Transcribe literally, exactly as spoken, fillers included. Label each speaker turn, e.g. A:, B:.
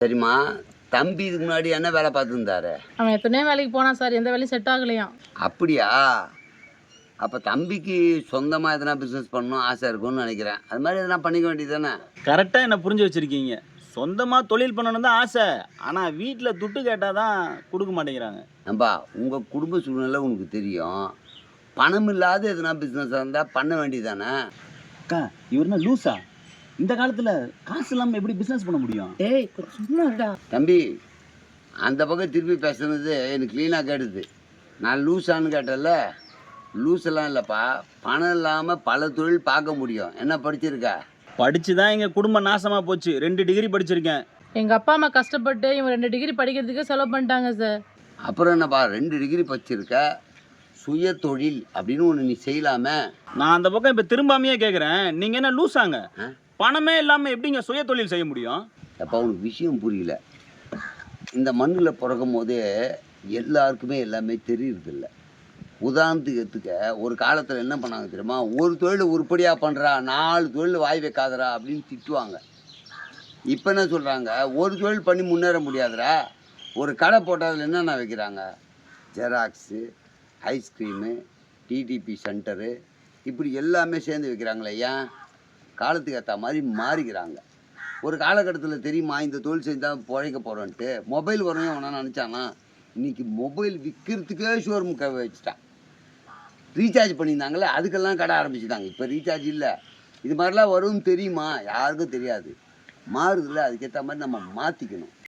A: சரிம்மா, தம்பி இதுக்கு முன்னாடி என்ன வேலை பார்த்துருந்தாரு?
B: அவன் எத்தனையோ வேலைக்கு போனான் சார், எந்த வேலையும் செட் ஆகலையாம்.
A: அப்படியா? அப்போ தம்பிக்கு சொந்தமாக எதனா பிஸ்னஸ் பண்ணணும் ஆசை இருக்கும்னு நினைக்கிறேன். அது மாதிரி எதனா பண்ணிக்க வேண்டியது தானே?
C: கரெக்டாக என்ன புரிஞ்சு வச்சுருக்கீங்க. சொந்தமாக தொழில் பண்ணணும் தான் ஆசை, ஆனால் வீட்டில் துட்டு கேட்டால் தான் கொடுக்க மாட்டேங்கிறாங்க.
A: நம்பா, உங்கள் குடும்ப சூழ்நிலை உனக்கு தெரியும். பணம் இல்லாத எதனா பிஸ்னஸாக இருந்தால் பண்ண வேண்டியது தானே?
C: அக்கா, இவருனா லூஸா? இந்த காலத்தில் காசு இல்லாமல் எப்படி பிஸ்னஸ் பண்ண முடியும்?
B: ஏய் சும்மாடா
A: தம்பி, அந்த பக்கம் திருப்பி பேசுனது எனக்கு க்ளீனாக கேட்டுது. நான் லூஸான்னு கேட்டல, லூஸெல்லாம் இல்லைப்பா. பணம் இல்லாமல் பல தொழில் பார்க்க முடியும். என்ன படிச்சிருக்கா?
C: படித்து தான் எங்கள் குடும்பம் நாசமாக போச்சு. ரெண்டு டிகிரி படிச்சிருக்கேன்.
B: எங்கள் அப்பா அம்மா கஷ்டப்பட்டு இவன் ரெண்டு டிகிரி படிக்கிறதுக்கு செலவு பண்ணிட்டாங்க சார்.
A: அப்புறம் என்னப்பா, ரெண்டு டிகிரி படிச்சிருக்க, சுய தொழில் அப்படின்னு ஒன்று நீ செய்யலாமே.
C: நான் அந்த பக்கம் இப்போ திரும்பாமையே கேட்குறேன். நீங்கள் என்ன லூஸாங்க? பணமே இல்லாமல் எப்படிங்க சுய தொழில் செய்ய முடியும்?
A: அப்போ உனக்கு விஷயம் புரியல. இந்த மண்ணில் பிறக்கும் போதே எல்லாருக்குமே எல்லாமே தெரியுறதில்ல. உதாரணத்துக்கு எடுத்துக்க, ஒரு காலத்தில் என்ன பண்ணாங்க தெரியுமா? ஒரு தொழில் உருப்படியாக பண்ணுறா, நாலு தொழில் வாய் வைக்காதரா அப்படின்னு திட்டுவாங்க. இப்போ என்ன சொல்கிறாங்க? ஒரு தொழில் பண்ணி முன்னேற முடியாதுரா, ஒரு கடை போட்டதில் என்னென்ன வைக்கிறாங்க? ஜெராக்ஸு, ஐஸ்கிரீமு, டிடிபி சென்டரு, இப்படி எல்லாமே சேர்ந்து வைக்கிறாங்களே. ஏன்? காலத்துக்கு ஏற்ற மாதிரி மாறிக்கிறாங்க. ஒரு காலகட்டத்தில் தெரியுமா இந்த தொழில் செஞ்சால் பிழைக்க போகிறோன்ட்டு? மொபைல் வரணும் அவனா நினச்சானா? இன்றைக்கி மொபைல் விற்கிறதுக்கே ஷோரூம் க வச்சுட்டான். ரீசார்ஜ் பண்ணியிருந்தாங்களே, அதுக்கெல்லாம் கடை ஆரம்பிச்சுட்டாங்க. இப்போ ரீசார்ஜ் இல்லை. இது மாதிரிலாம் வரும்னு தெரியுமா? யாருக்கும் தெரியாது. மாறுதில்ல, அதுக்கேற்ற மாதிரி நம்ம மாற்றிக்கணும்.